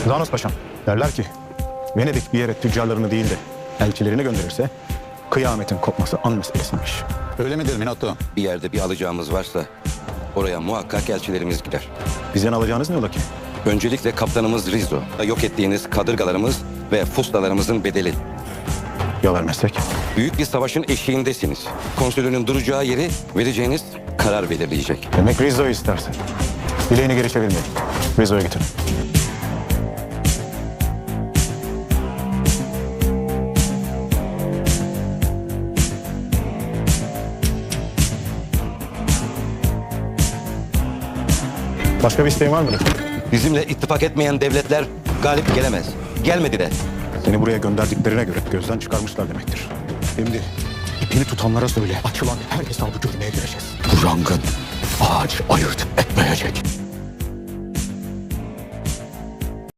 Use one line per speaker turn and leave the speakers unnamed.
Danos Paşam, derler ki Venedik bir yere tüccarlarını değil de elçilerini gönderirse kıyametin kopması an meselesiymiş.
Öyle midir Minotto?
Bir yerde bir alacağımız varsa oraya muhakkak elçilerimiz gider.
Bizden alacağınız ne ola ki?
Öncelikle kaptanımız Rizzo, yok ettiğiniz kadırgalarımız ve fustalarımızın bedeli.
Ya vermezsek?
Büyük bir savaşın eşiğindesiniz. Konsülünün duracağı yeri vereceğiniz karar belirleyecek.
Demek Rizzo'yu istersin. Bileğini geri çevirmeyin. Rizzo'ya getirin. Başka bir isteğin var mıdır?
Bizimle ittifak etmeyen devletler galip gelemez. Gelmedi de.
Seni buraya gönderdiklerine göre gözden çıkarmışlar demektir. Şimdi ipini tutanlara söyle. Açılan her hesabı görmeye gireceğiz.
Bu yangın ağacı ayırt etmeyecek.